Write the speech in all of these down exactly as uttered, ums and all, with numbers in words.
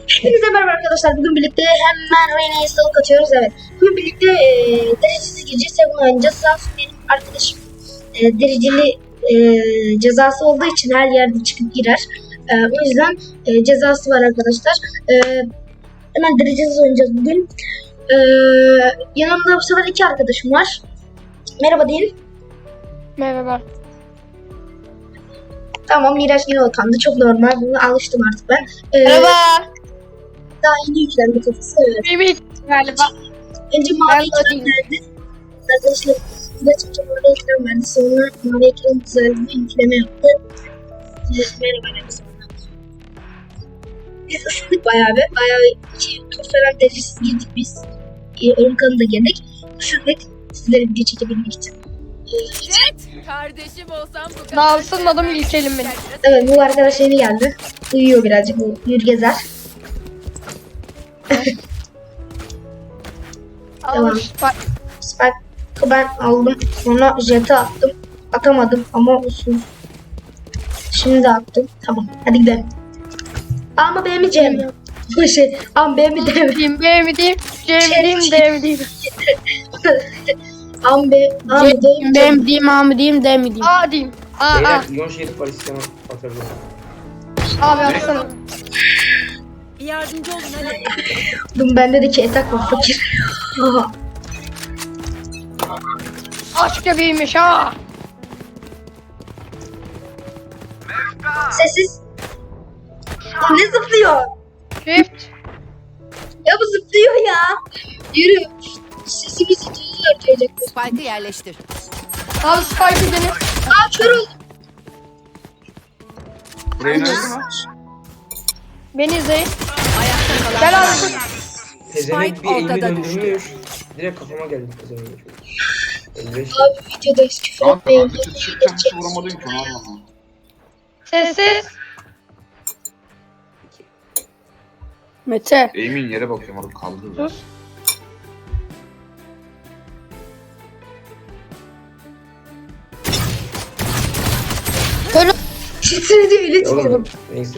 Hepinize merhaba arkadaşlar. Bugün birlikte hemen oyuna install atıyoruz. Evet. Bugün birlikte e, derecesiz gece Seven oynayacağız. Zaten benim arkadaşım e, dereceli e, cezası olduğu için her yerde çıkıp girer. E, o yüzden e, cezası var arkadaşlar. E, hemen derecesiz oynayacağız bugün. E, yanımda bu sefer iki arkadaşım var. Merhaba deyin. Merhaba. Tamam, Miraç yine utandı. Çok normal. Buna alıştım artık ben. E, Merhaba. Daha yeni yüklendi kafası. Evet. Mimik galiba. Önce mavi ekran verdi. Arkadaşlar size çıkacak orada ekran verdi. Sonra mavi ekran düzeldi. Yükleme yaptı. Merhaba arkadaşlar. Biz ısındık bayağı bir. Bayağı bir iki tur falan derecesiz girdik biz. Ee, oyun kanalına da girdik. Isındık. Sizlere video çekebilmek için. Evet. Kardeşim olsam bu kadar. Daha ısınmadım, ilkelim beni. Evet, bu arkadaş yeni geldi. Uyuyor birazcık. Bu uyur gezer. Tamam. Almış. Bak. Spike'ı ben aldım. Sonra jet'e attım. Atamadım ama olsun. Şimdi attım. Tamam. Hadi gidelim. A mı B mi C mi? Bu şey. A mı B mi D mi? Diyeyim, B mi diyeyim, C mi diyeyim, D mi diyeyim. A mı B, A mı D mi? B mi diyeyim, A mı diyeyim, D mi diyeyim? A diyeyim. A, A. Beyler iyon şerif var, istemem atabilirim. Abi atsana. Bir yardımcı olun hadi. Dur, bende de ki etak var fakir. Aç göbeğiymiş ha. Sessiz. Aa, ne zıplıyor? Shift. Ya bu zıplıyor ya. Yürü. Sesimizi duyuyor diyecek. Spike'ı yerleştir. Abi Spike'ı dene. Aa, kör oldum. Buraya ne oldu mu? Beni izleyin. Ayakta kalan. Gel abi. Tezenek bir elini ortada döndürmüş. Direkt kafama geldi tezenek. elli beş. Abi videodayız, küfür Kanka etmeyin. ben de çıkacağım hiç vuramadın ki onu anlamadım. Sessiz. Mete. Eğimin yere bakıyorum orada kaldı. Sus. Titredi öyle Ya titriyorum. oğlum, neyse.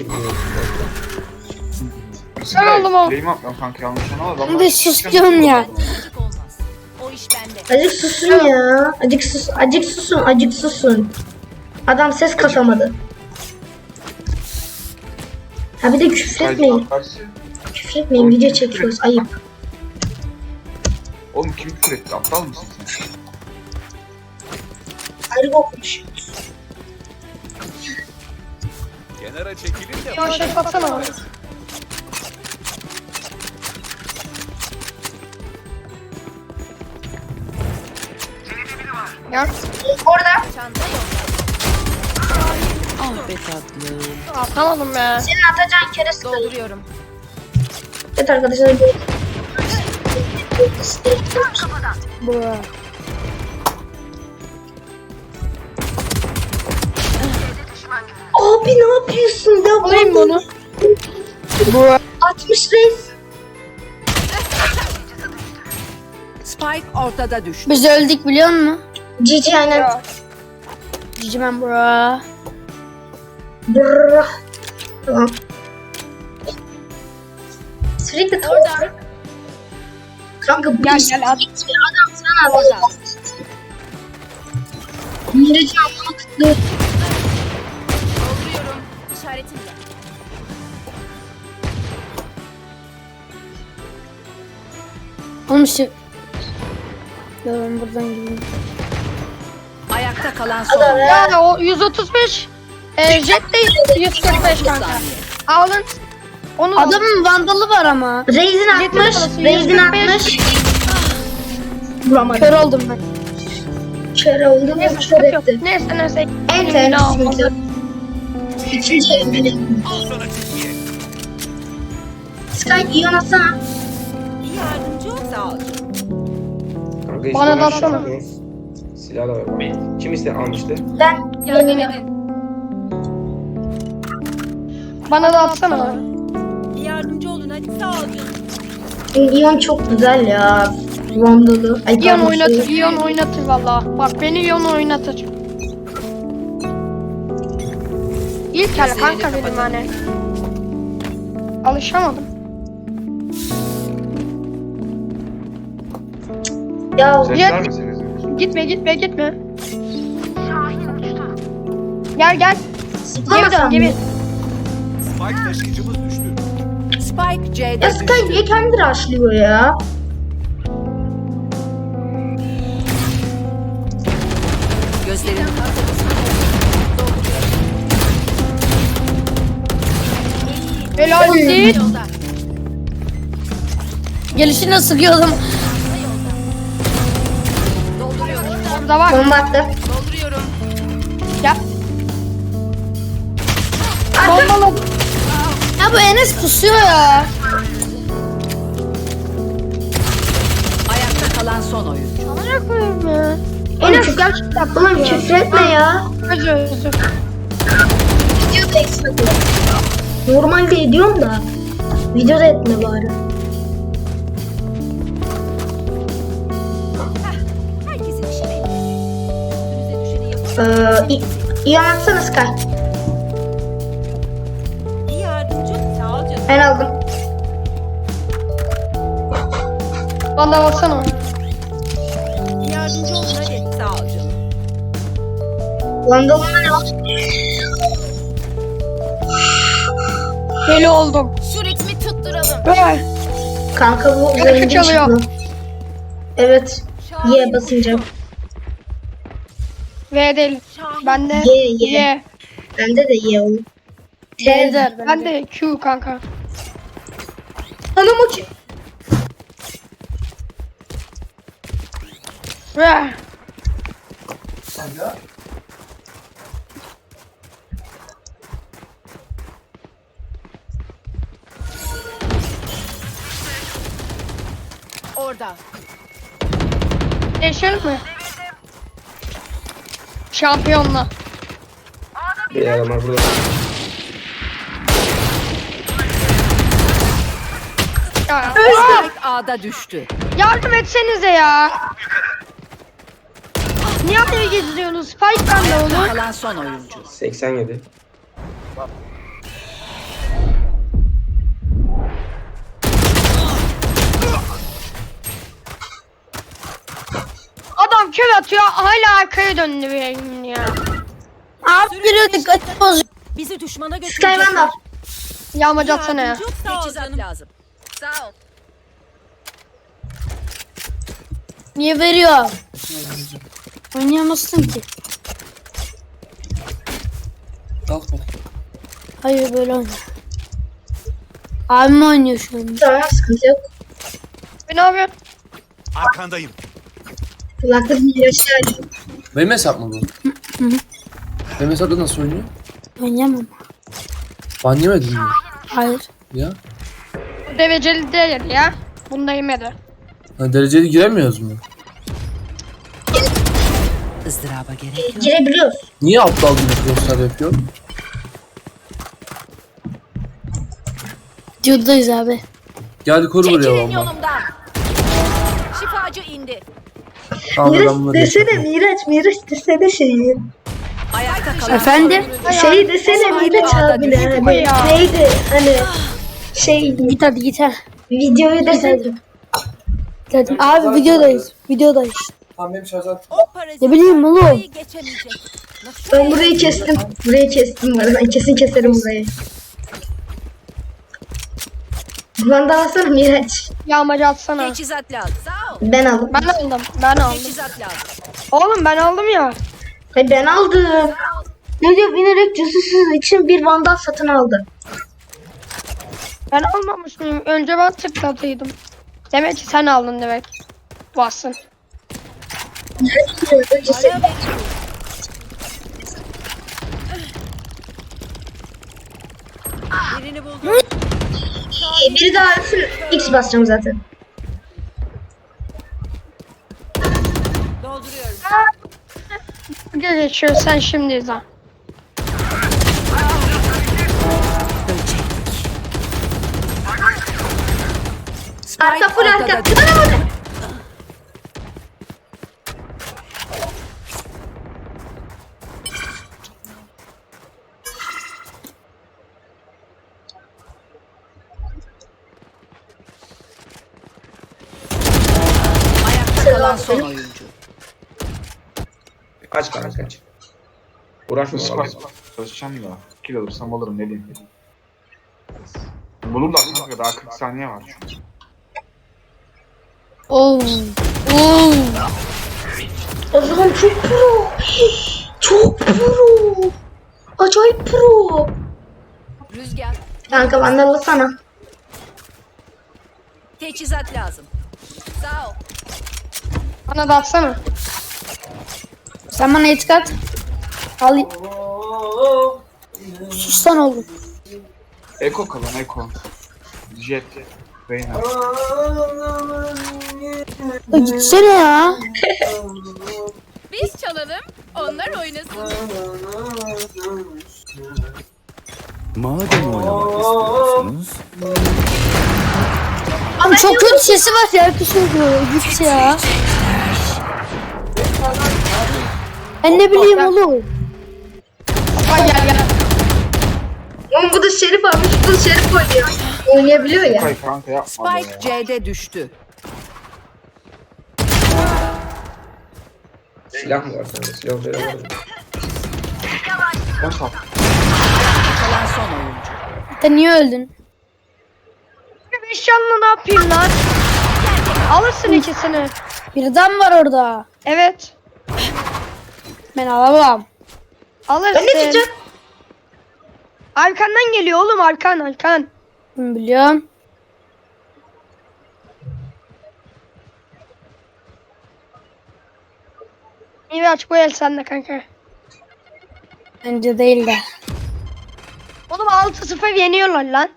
Ben oldum o. Eğim atmam kanka yanlış anlama. Ben de susuyorum ya. Olmaz. O iş bende. Azıcık susun ya. Azıcık sus, azıcık susun, azıcık susun. Adam ses kasamadı. Ha bir de küfür etmeyin. Küfür etmeyin, video çekiyoruz. Ayıp. Oğlum kim küfür etti? Aptal mısın sen? Ayrı kokmuş. Kenara çekilin de Ya şey atsana abi. Gel. Orada. Çanta yok. Ah be tatlım. Atamadım be. Senin atacağın kere sıkılır. Dolduruyorum. Evet arkadaşlar. böyle- Bura. Abi ne yapıyorsun ya? Alayım mı onu? Bura. altmış reis. Spike ortada düştü. Biz öldük biliyor musun? Cici aynen. Ya. Cici ben bura. Brrrr. Tamam. Sürekli tavuk. Kanka bu Gel, iş gel, at. gitmiyor. Adam sana orada. Miracı anlama kıtlığı. Dolduruyorum. İşaretimle. Oğlum işte. Ya ben buradan gideyim. Ayakta kalan son. Adam ya. Ya o yüz otuz beş. E, jet değil. yüz kırk beş kanka. Alın. Onu Adamın vandalı var ama. Reis'in Yetin atmış. parası, Reis'in yüz kırk beş. atmış. Vuramadım. Kör oldum ben. Kör oldum. Neyse, Kör sıkıntı yok. etti. Neyse neyse. En Elimini al. tehlikeli. İkinci elimini. al sana Türkiye. Sky iyon atsana. Bir yardımcı ol sağ ol. Kanka Bana istemem da atsana. şansınız. Silah da var. Kim iste almıştı? Ben Yardım yemin edin. Bana da atsana. Bir yardımcı olun hadi sağ ol canım. İyon çok güzel ya. Vandalı. Ay, İyon pardon, oynatır, şey- İyon oynatır valla. Bak beni İyon oynatır. İlk el kanka benim hani. Alışamadım. Ya Ses Jet- vermeseniz. Gitme gitme gitme. Gel gel. Geri zıplamasam dön mı? geri. Spike taşıyıcımız düştü. Spike C'de Ya Sky düştü. niye kendi rushlıyor ya? Gözlerini kapat. Helal değil. Gelişine sıkıyordum. Burada var. Bomba attı. Gel. Bombaladım. Ya bu Enes pusuyor ya. Ayakta kalan son oyuncu. Ne koyayım ya? Oğlum küfür, oğlum küfür etme ya. Özür özür. Videoda eksik ediyor. Normalde ediyorum da. Videoda etme bari. Herkesin işi belli. Üstünüze düşeni yapın. Ee, iyi, iyi anlatsana Sky. İyi yardımcı. Sağ ol canım. Ben aldım. Bana baksana. İyi yardımcı olun hadi. Sağ ol canım. Vandalımda ne var? Deli oldum. Şu ritmi tutturalım. Ver. Kanka bu Yarışı zengin çalıyor. çıktı. Evet. Y basınca. V değil. Ben de Y, Y. Y. Bende de Y oğlum. T. Ben de Q kanka. Anam o ki. Ver. Orada. Değişelim mi? Şampiyonla. Bir adam var burada. Ya, Spike A'da düştü. yardım etsenize ya. Niye araya geziyorsunuz? Spike bende olur. Kalan son oyuncu. seksen yedi. Adam kör atıyor hala arkaya döndü benim ya. Abi geliyor dikkat bozuyor. Bizi düşmana Sky götürecekler. Vandal. Yağmacı atsana ya. Teçhizat lazım. Sağ ol. Niye veriyor? Oynayamazsın ki. Kalk bak. Hayır böyle oyna. Abim oynuyor şu an. Tamam sıkıntı yok. Ne yapıyorsun? Arkandayım. Kulaklarını yaşar. Benim hesap mı bu? Benim hesapta nasıl oynuyor? Oynayamam. Ban yemedin mi? Hayır. Ya. Bu dereceli değil ya. Bunda yemedi. Ha, dereceli giremiyoruz mu? Izdıraba gerek yok. Girebiliyoruz. Niye aptal gibi crosslar yapıyor? Videodayız abi. Geldi koru buraya Çekilin valla. yolumdan. Şifacı indi. Tamam da ben Miraç bunları desene yapayım. Miraç. Miraç desene şeyi. Ayakta kalan Efendim? Şey desene Miraç abi de hani. ya. Neydi hani. Şey Git hadi git ha. videoyu desene. Git hadi. Abi videodayız. Videodayız. Tamam benim şarjım. o parazit Ne bileyim oğlum. burayı geçemeyecek. Ben burayı kestim. Burayı kestim bu arada. Kesin keserim burayı. Vandal alsana Miraç. Yağmacı atsana. Teçhizat lazım. Sağ ol. Ben aldım. Ben aldım. Ben aldım. Teçhizat lazım. Oğlum ben aldım ya. Hayır ben aldım. Ne diyor binerek cüzüsüz için bir vandal satın aldı. Ben almamış mıyım? Önce ben tıklatıydım. Demek ki sen aldın demek. Bassın. Öncesi Birini buldum. biri daha arasın. X basacağım zaten. Dolduruyorum. Gel geçiyor sen şimdi izle. Arka full arka. ortada Bana bana. Ayakta kalan kalan son oyuncu. Kaç kanka kaç. Uğraşma Spike vallahi. çalışacağım da. Kill alırsam alırım ne diyeyim. Bulurlar kanka daha kırk saniye var şu an. Oo. Oo. O zaman çok pro. Çok pro. Acayip pro. Rüzgar. Kanka vandalı sana. Teçhizat lazım. Sağ ol. Bana da atsana. Sen bana et kat. Alayım. Sustan oğlum. Eko kalan Eko. Jet. Reyna. Ya gitsene ya. Biz çalalım, onlar oynasın. Madem oynamak istiyorsunuz. Abi çok kötü sesi var ya. Herkes söylüyor. Git ya. Ben ne bileyim oğlum. Bak gel gel. Oğlum bu da Şerif almış. Bu da Şerif oynuyor. Oynayabiliyor ya. Spike kanka yapma be. Spike C'de düştü. Silah mı var sende? Silah veremedim. Ben sat. Kalan son oyuncu. Sen niye öldün? Beş canlı ne yapayım lan? Alırsın ikisini. Birden var orada. Evet. Ben alamam. Alırsın. Ben ne diyeceğim? Arkandan geliyor oğlum, arkan arkan. Ben biliyorum. İyi aç bu el sende kanka. Bence değil de. Oğlum altı sıfır yeniyorlar lan.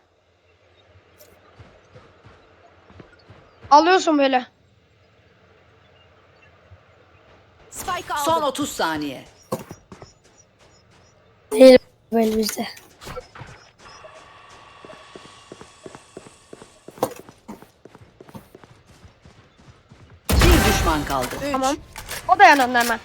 Alıyorsun böyle. Spike aldı. Son otuz saniye. Değil böyle bizde. Bir düşman kaldı. Tamam. O da yanında hemen.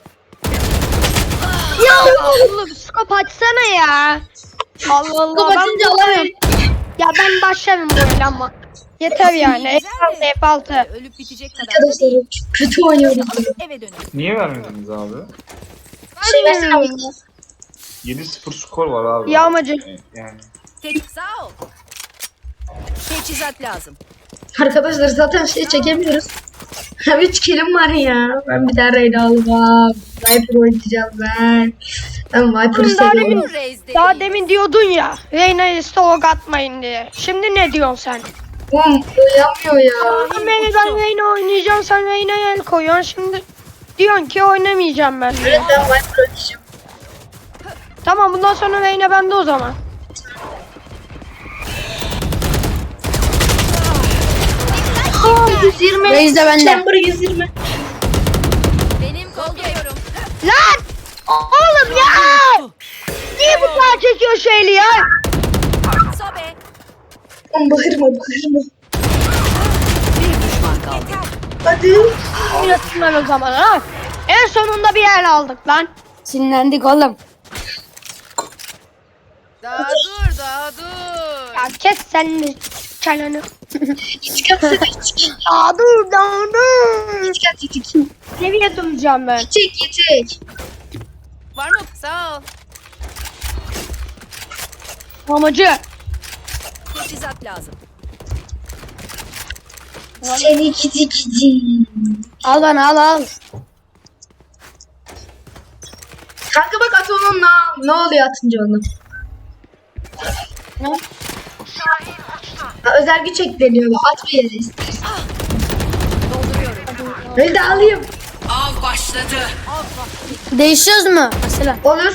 Ya oğlum skop açsana ya. Allah Allah. Skop ben açınca bu- alamıyorum. Ya ben başlarım bu oyuna ama. Yeter yani. F altı F altı. Ölüp bitecek kadar da Arkadaşlar değil. çok kötü oynuyoruz. Eve dönelim. Niye vermediniz abi? Şey versene abi. yedi sıfır skor var abi. Yağmacı. Yani. Teç sağ ol. Teçhizat lazım. Arkadaşlar zaten şey çekemiyoruz. Üç kilim var ya. Ben bir daha Reyna almam. Viper oynayacağım ben. Ben Viper'ı Oğlum daha seviyorum. demin, daha demin diyordun ya. Reyna'yı stalk atmayın diye. Şimdi ne diyorsun sen? Oğlum oynamıyor ya. Sen beni ben Reyna oynayacağım, sen Reyna'ya el koyuyorsun. Şimdi diyorsun ki oynamayacağım ben. Evet ben Viper oynayacağım. Tamam bundan sonra Reyna bende o zaman. Aa, yüz yirmi. Reis de bende. Chamber yüz yirmi. Benim kolluyorum. Lan! Oğlum ya! Niye bu kadar çekiyor şeyli ya? Sobe. Oğlum bağırma bağırma. Bir düşman kaldı. Hadi. Oynasın ben o zaman ha. En sonunda bir yer aldık lan. Sinirlendik oğlum. Daha dur, daha dur. Ya kes sen de çeneni. İç katsana iç. Ya dur dur dur. İç kat iç. Seviye duracağım ben. İçek içek. Var mı? Sağ ol. Amacı. Teçhizat lazım. Seni gidi gidi. Al bana al al. Kanka bak at onunla. Ne oluyor atınca onu? Ne? Ha, özel güç ekleniyor. At bir yere istersen. Dolduruyorum. Öyle de alayım. Av başladı. Değişiyoruz mu? Mesela. Olur.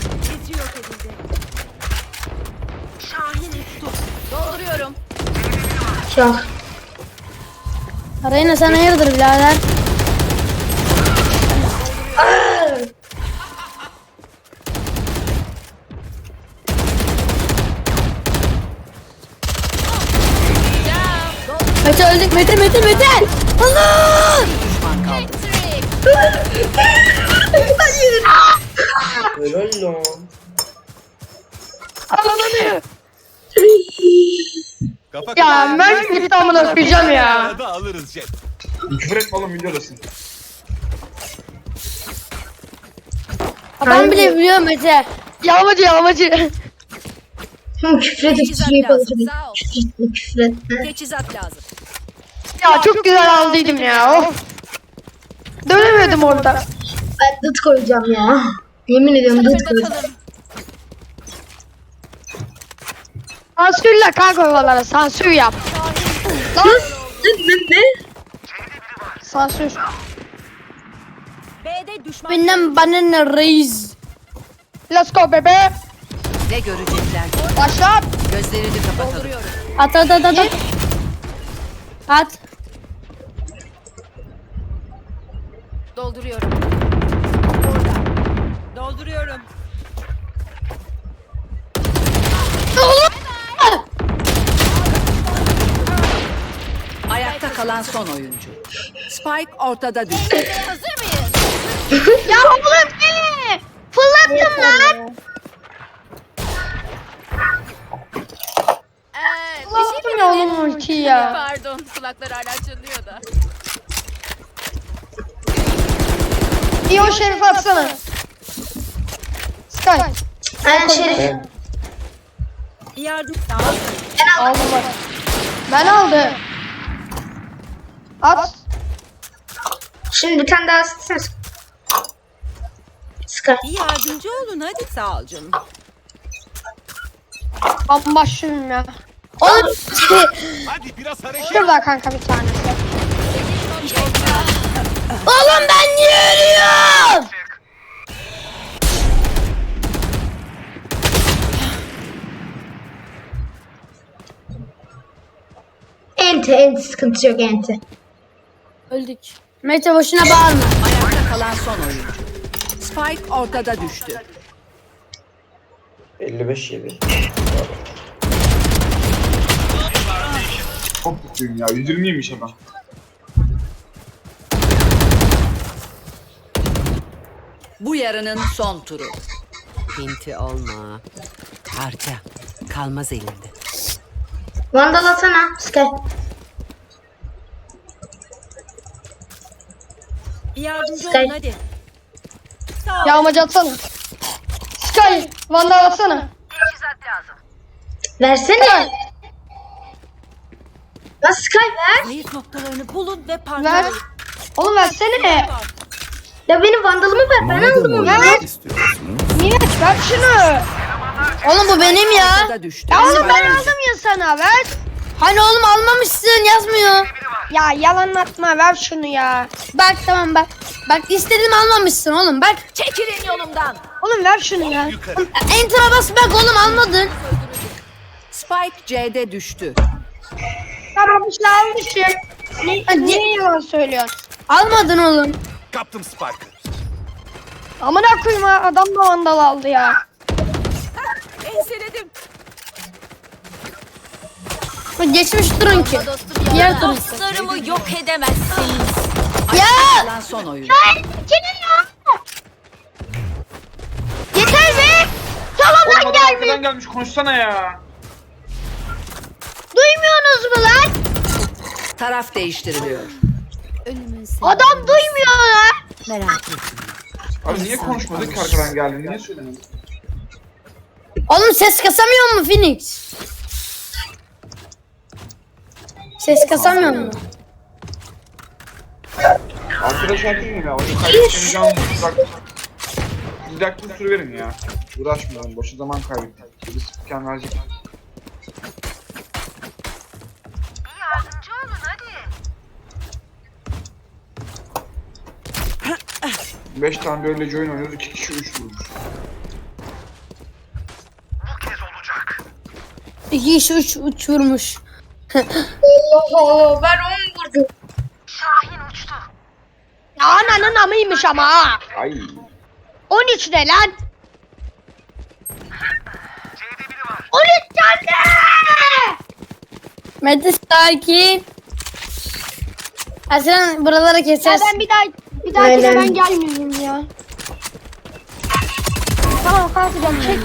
Dolduruyorum. Şah. Reyna sen hayırdır birader? Mete öldük. Mete Mete Mete. Allah! Düşman kaldı. Hayır. Helal lan. Ananı. Kafa Ya ben git amına koyacağım ya. Da alırız Jet. Küfür etme oğlum videodasın. Ben bile biliyorum Mete. Yağmacı yağmacı. Hı, küfredip Teçhizat şey lazım. yapalım. Sağ ol. Küfretme küfretme. Teçhizat lazım. Ya çok güzel aldıydım ya. Of. Dönemiyordum orada. Ben dut koyacağım ya. Yemin ediyorum dut koyacağım. Bakalım. Sansürle kanka oralara sansür yap. Lan Ne ne ne? sansür. B'de düşman. Benden bana ne reis. Let's go bebe. Ne görecekler? Başla. Gözlerini kapatalım. At at at at. At. At. Dolduruyorum. Dolduruyorum. Ayakta kalan son oyuncu. Spike ortada düştü. Ya oğlum beni. Fırlattım lan. Ee, Fırlattım ya oğlum ultiyi ya. Pardon, kulaklar hala çınlıyor da. İyi o şerif atsana. Sky. Aynen Şerif. Ben Yardım. Aldım bak. Ben aldım. At. Şimdi bir tane daha ısıtsana. Sky. Bir yardımcı olun hadi. Sağ ol canım. Ben başlıyorum ya. Oğlum. Şurada kanka bir tanesi. Oğlum ben niye ölüyorum? Enti enti sıkıntı yok enti. Öldük. Mete boşuna bağırma. Ayakta kalan son oyuncu. Spike ortada düştü. elli beş yedi. Çok mutluyum ya. yüz yirmiymiş adam. Bu yarının son turu. Pinti olma. Harca. Kalmaz elinde. Vandal atsana Sky. Bir yardımcı Sky. olun hadi. Sağ ol. Yağmacı atsana. Sky. Vandal atsana. Versene. Lan Sky ver. Zayıf noktalarını bulun ve Ver. parçalayın. Oğlum versene. Ya benim vandalımı ver. Ben aldım Madem onu. oynamak istiyorsunuz. Niye? Ver şunu. Oğlum bu benim ya. Ortada düştü. Ya oğlum ben aldım ya sana ver. Hani oğlum almamışsın yazmıyor. Ya yalan atma ver şunu ya. Bak tamam bak. Bak istedim almamışsın oğlum bak. Çekilin yolumdan. Oğlum ver şunu ya. Enter'a bas bak oğlum almadın. Spike C'de düştü. Tamam işte almışım. Ne, niye yalan söylüyorsun? Almadın oğlum. Amına koyayım ha, adam da vandal aldı ya. Enseledim. Geçmiş durun ki. Diğer tur. Dostlarımı yok edemezsiniz. Ya Kalan son oyuncu. Kimin ya? Yeter be. Salondan Oğlum adam gelmiş. arkadan gelmiş konuşsana ya. Duymuyorsunuz mu lan? Taraf değiştiriliyor. Adam duymuyor lan. Merak etme. Abi niye konuşmadık ki arkadan geldin? Niye söylemedin? oğlum ses kasamıyor mu Phoenix? Ses kasamıyor mu? Arkadaşlar değil mi ya? Onu kaybedeceğini canlı bırak. Bir dakika süre verin ya. Uğraşmayalım. Boşu zaman kaybettik. Bir spiken verecek. Beş tane böyle oyun oynuyoruz. iki kişi üç vurmuş. İki iş uç uçurmuş. Oho ben onu vurdum. Ya ananın amıymış ama ha. Ay. on üç ne lan? on üç tane. Mete sakin. Aslan buralara Ya keseceğiz. ben bir daha bir daha Aynen. ben gelmeyeyim ya. Tamam kalkacağım çek.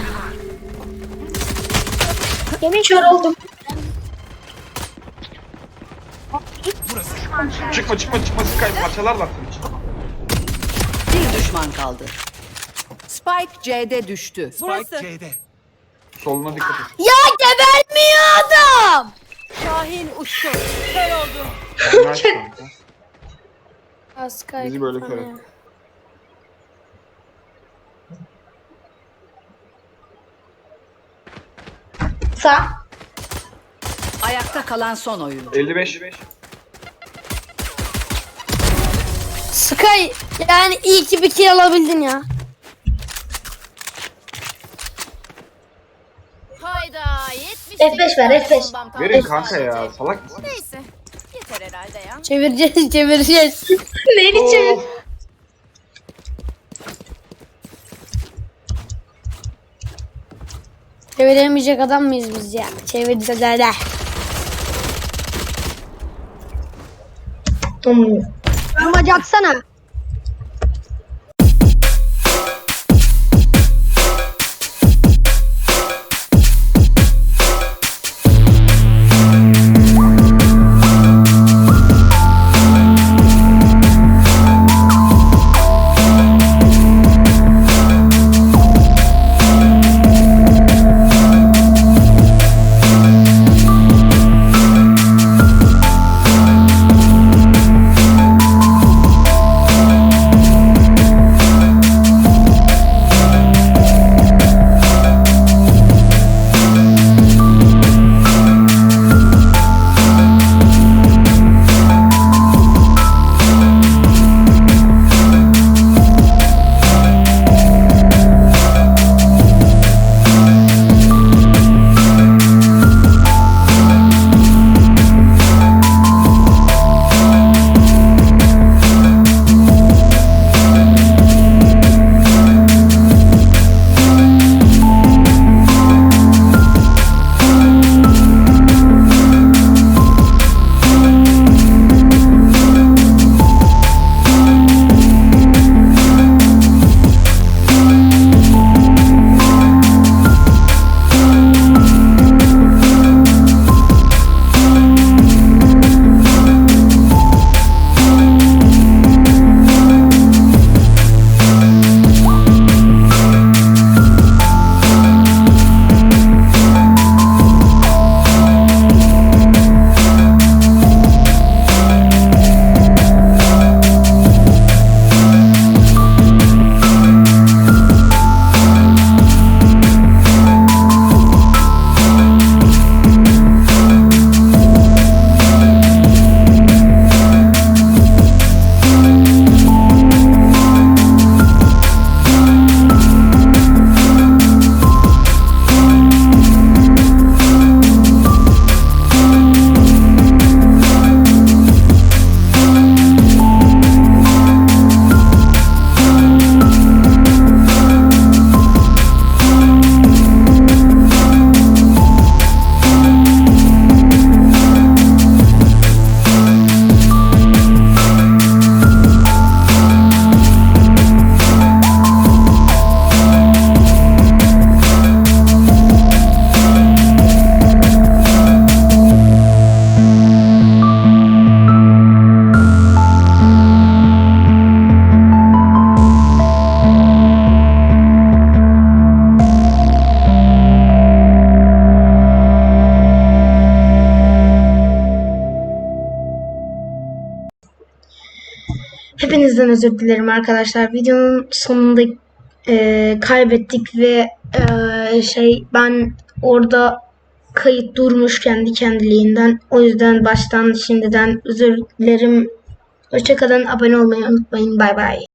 Yemin Kör oldum. Çıkma çıkma çıkma Sky parçalarlar seni. Bir düşman kaldı. Spike C'de düştü. Burası. Soluna dikkat et. Ya gebermiyor adam. Şahin uçtu. Kör oldu. Nice kanka. Askay. Bizi böyle kör et. Sağ. Ayakta kalan son oyuncu. elli beş. Sky yani iyi ki bir kill alabildin ya. Hayda yetmiş. F beş ver, F beş. Verin kanka ya salak mısın? Neyse. Yeter herhalde ya. Çevireceğiz çevireceğiz. Neyini çevir? Of. Çeviremeyecek adam mıyız biz ya? Çevireceğiz hadi. Hmm. Yamacı atsana. Hepinizden özür dilerim arkadaşlar. Videonun sonunda e, kaybettik ve e, şey ben orada kayıt durmuş kendi kendiliğinden. O yüzden baştan şimdiden özür dilerim. Hoşçakalın. Abone olmayı unutmayın. Bay bay.